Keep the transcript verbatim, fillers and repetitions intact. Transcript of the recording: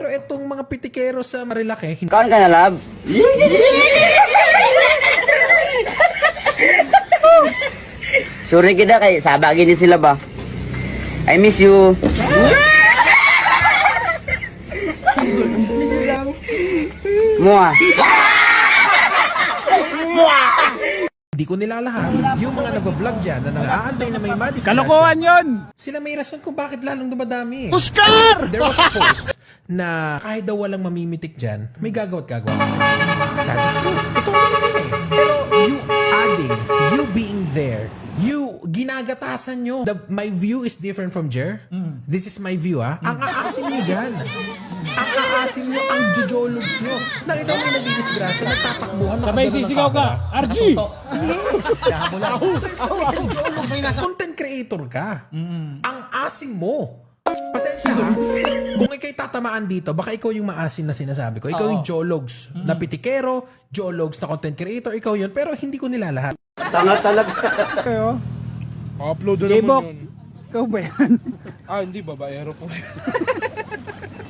Pero itong mga pitikero sa Marilake, Kaon ka na, love? Sorry kita kay sabagi ni sila ba? I miss you. Mua. hindi ko nilalahat. Yung mga nagbablog dyan na nag-aantay na may madisgrasya. Kalokohan yun! Sila may rason kung bakit lalong dumadami. Oscar! There was a post na kahit daw walang mamimitik dyan, may gagawa't gagawa. That is true. Totoo naman yun eh. Pero you adding, you being there, you ginagatasan nyo. The, my view is different from Jer. Mm. This is my view ah. Ang aasin nyo dyan. Ang aasin nyo, ang jojologs nyo. Nakita mo yung nagdidisgrasya, nagtatakbuhan, Sabay nakagano ng sisigaw ka, camera. R G! Yes! So, excited jologs ka. Content creator ka. Ang asin mo. Pasensya ha. Kung ikaw'y tatamaan dito, baka ikaw yung maasin na sinasabi ko. Ikaw yung jologs na pitikero, jologs na content creator, ikaw yun. Pero hindi ko nilalahat. Tanga talaga. Kayo? Upload na J-Bok, naman yun. ikaw ba yan? Ah, hindi. Babaero po.